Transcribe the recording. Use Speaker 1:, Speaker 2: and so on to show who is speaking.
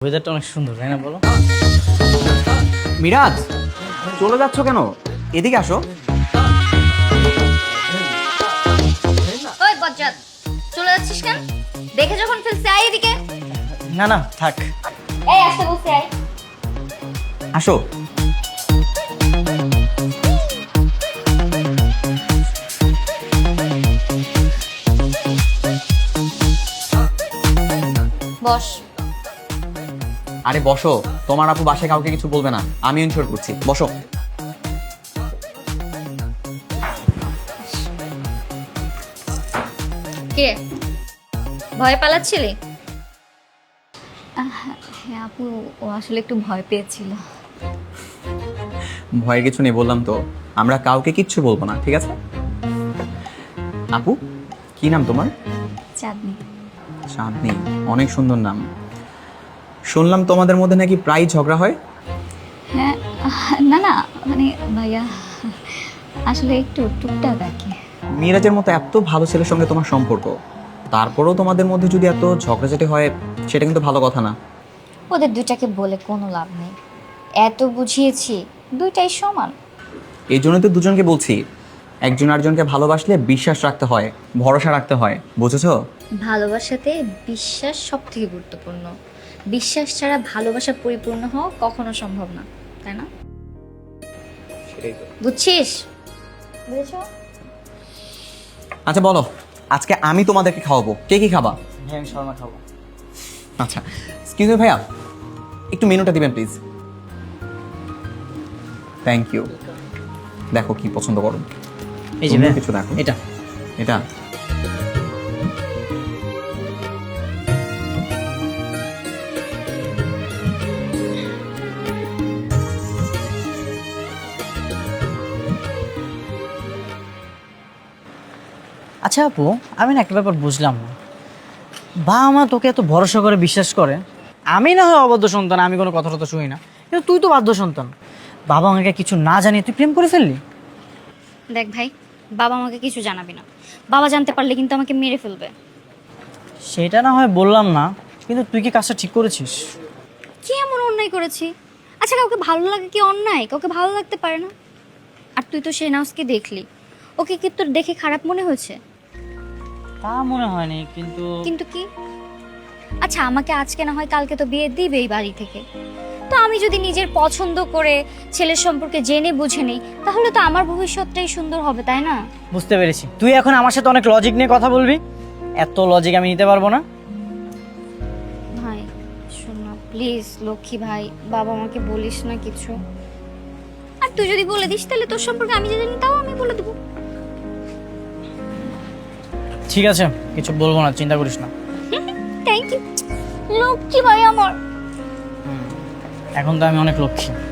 Speaker 1: ওয়েদারটা অনেক সুন্দর তাই না বলো?
Speaker 2: মিরাজ, চলে যাচ্ছ কেন? এদিকে আসো।
Speaker 3: ওই বজ্জাত, চলে যাচ্ছিস কেন? দেখে যখন ফেলছে আয় এদিকে।
Speaker 1: না না থাক।
Speaker 3: এই আসতে বলছি আয়।
Speaker 2: আসো।
Speaker 3: বস।
Speaker 2: আরে বসো, তোমার আপু বাসায় কাউকে কিছু বলবে না, আমি ইনশোর করছি। বসো।
Speaker 3: কে ভয় পালাচ্ছিলি?
Speaker 4: হ্যাঁ আপু, ও আসলে একটু ভয় পেয়েছিল।
Speaker 2: ভয়ের কিছু নেই বললাম তো, আমরা কাউকে কিচ্ছু বলবো না, ঠিক আছে? আপু, কি নাম তোমার?
Speaker 4: চাঁদনি।
Speaker 2: চাঁদনি, অনেক সুন্দর নাম। শুনলাম তোমাদের মধ্যে নাকি প্রায় ঝগড়া হয়।
Speaker 4: হ্যাঁ, না না মানে ভাইয়া আসলে একটু টুকটাক আর কি।
Speaker 2: মিরাজের মতো এত ভালো ছেলের সঙ্গে তোমার সম্পর্ক, তারপরেও তোমাদের মধ্যে যদি এত ঝগড়াঝাটি হয়, সেটা কিন্তু ভালো কথা না।
Speaker 3: ওদের দুইটাকে বলে কোনো লাভ নেই, এত বুঝিয়েছি, দুইটাই সমান।
Speaker 2: এই জন্যই তো দুজনকে বলছি, একজন আরেকজনকে ভালোবাসলে বিশ্বাস রাখতে হয়, ভরসা রাখতে হয়, বুঝেছো?
Speaker 3: ভালোবাসাতে বিশ্বাস সব থেকে গুরুত্বপূর্ণ। বিশ্বাস ছাড়া ভালোবাসা পরিপূর্ণ হওয়া কখনো সম্ভব না, তাই না? বুঝছিস? বুঝেছো?
Speaker 2: আচ্ছা বলো, আজকে আমি তোমাদেরকে খাওয়াবো, কে কি খাবা?
Speaker 1: হ্যাঁ আমি শর্মা খাবো।
Speaker 2: আচ্ছা, এক্সকিউজ মি ভাইয়া, একটু মেনুটা দিবেন প্লিজ। Thank you. দেখো কি পছন্দ করো।
Speaker 1: এই যে
Speaker 2: তুমিও
Speaker 1: ভাইয়া,
Speaker 2: কিছু দেখো।
Speaker 1: এটা
Speaker 2: এটা
Speaker 1: আচ্ছা আপু, আমি না একটা ব্যাপার বুঝলাম না। বাবা মা তোকে এত ভরসা করে বিশ্বাস করে, আমি না হয় অবাধ্য সন্তান, আমি কোনো কথা টথা শুনি না, কিন্তু তুই তো বাধ্য সন্তান। বাবা আমাকে কিছু না জানিয়ে তুই প্রেম করে ফেললি।
Speaker 3: দেখ ভাই, বাবা আমাকে কিছু জানাবি না। বাবা জানতে পারলে কিন্তু আমাকে মেরে ফেলবে।
Speaker 1: সেটা না হয় বললাম না, কিন্তু তুই কি কাজটা ঠিক করেছিস?
Speaker 3: কি এমন অন্যায় করেছি? আচ্ছা, কাউকে ভালো লাগে কি অন্যায়? কাউকে ভালো লাগতে পারে না। আর তুই তো শেহনাজকে দেখলি, ওকে কি তোর দেখে খারাপ মনে হয়েছে?
Speaker 1: তা মনে হয়নি, কিন্তু
Speaker 3: কিন্তু কি? আচ্ছা, আমাকে আজকে না হয় কালকে তো বিয়ে দিবে এই বাড়ি থেকে। তো আমি যদি নিজের পছন্দ করে ছেলের সম্পর্কে জেনে বুঝে নিই, তাহলে তো আমার ভবিষ্যৎটাই সুন্দর হবে, তাই না?
Speaker 1: বুঝতে পেরেছি, তুই এখন আমার সাথে অনেক লজিক নিয়ে কথা বলবি। এত লজিক আমি নিতে পারবো না।
Speaker 3: ভাই শোন না প্লিজ, লক্ষ্মী ভাই, বাবা আমাকে বলিস না কিছু। আর তুই যদি বলে দিস, তাহলে তোর সম্পর্কে আমি জানি তাও আমি বলে দেবো।
Speaker 1: ঠিক আছে, কিছু বলবো না, চিন্তা করিস না।
Speaker 3: থ্যাংক ইউ লক্ষ্মী ভাই আমার।
Speaker 1: এখন তো আমি অনেক লক্ষ্মী।